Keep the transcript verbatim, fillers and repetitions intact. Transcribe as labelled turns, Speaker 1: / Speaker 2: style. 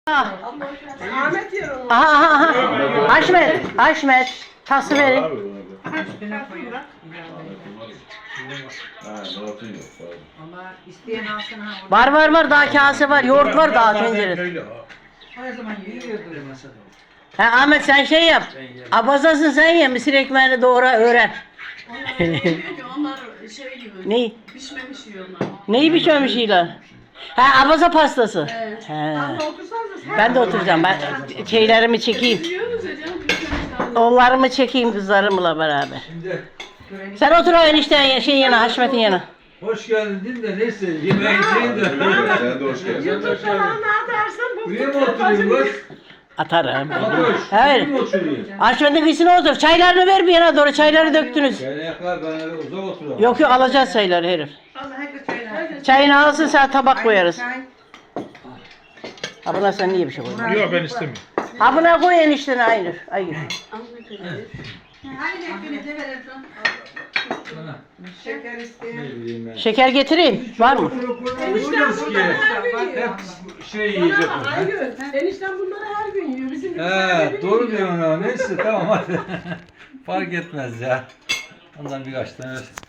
Speaker 1: Ahmet yer onu.
Speaker 2: Aha aha aha. Haşmet, Haşmet. Tası verin.
Speaker 3: Ha, Murat'ın yok.
Speaker 4: Ama isteyen alsın ha.
Speaker 2: Var var var daha kase var. Yoğurt var daha tencerede.
Speaker 4: Her zaman yiyordur.
Speaker 2: Ha Ahmet sen şey yap. Abazasın sen ye. Mısır ekmeğini doğra öğren.
Speaker 1: Onlar şey gibi.
Speaker 2: Neyi?
Speaker 1: Pişmemiş yiyorlar.
Speaker 2: Neyi biçmemiş ilan? Ha abaza pastası.
Speaker 1: Evet.
Speaker 2: He.
Speaker 1: Abla otursanız sen.
Speaker 2: Ben de oturacağım. Ben şeylerimi çekeyim.
Speaker 1: Yiyoruz ya canım. Pişmemiş.
Speaker 2: Oğullarımı çekeyim kızlarımla beraber.
Speaker 5: Şimdi
Speaker 2: Sen otur o enişten şeyin yana, Haşmet'in yana.
Speaker 5: hoş geldin de neyse yemeğe gideyim de.
Speaker 3: Sen de hoş geldin.
Speaker 1: YouTube'da bana ne atarsın? Bu
Speaker 5: Buraya mı oturayım kız?
Speaker 2: Atarım.
Speaker 5: Fatoş,
Speaker 2: Evet.
Speaker 5: buraya mı oturayım?
Speaker 2: Haşmet'in kıyısına otur. Çaylarını ver bir yana doğru. Çayları döktünüz.
Speaker 5: Kaynaklar ben öyle uzak oturamam.
Speaker 2: Yok yok alacağız çayları herif.
Speaker 4: Allah herkes söyler.
Speaker 2: Çayını alsın sen tabak koyarız. Ha buna sen niye bir şey koyuyorsun?
Speaker 6: Yok ben istemiyorum.
Speaker 2: Ha buna koy eniştene aynı. Aynı.
Speaker 4: Hangi ekmeğinizi verirsin?
Speaker 5: Bana,
Speaker 4: Şeker isteyen.
Speaker 5: ne bileyim ben.
Speaker 2: Şeker getireyim. Var mı?
Speaker 1: Enişten
Speaker 5: Ki
Speaker 1: bunları her gün yiyor.
Speaker 5: hep şey yiyecek.
Speaker 1: Bana her gün. Enişten bunları her gün yiyor. Bizim gibi
Speaker 5: He doğru diyorsun ha. Neyse tamam hadi. Fark etmez ya. Ondan birkaç tane ver.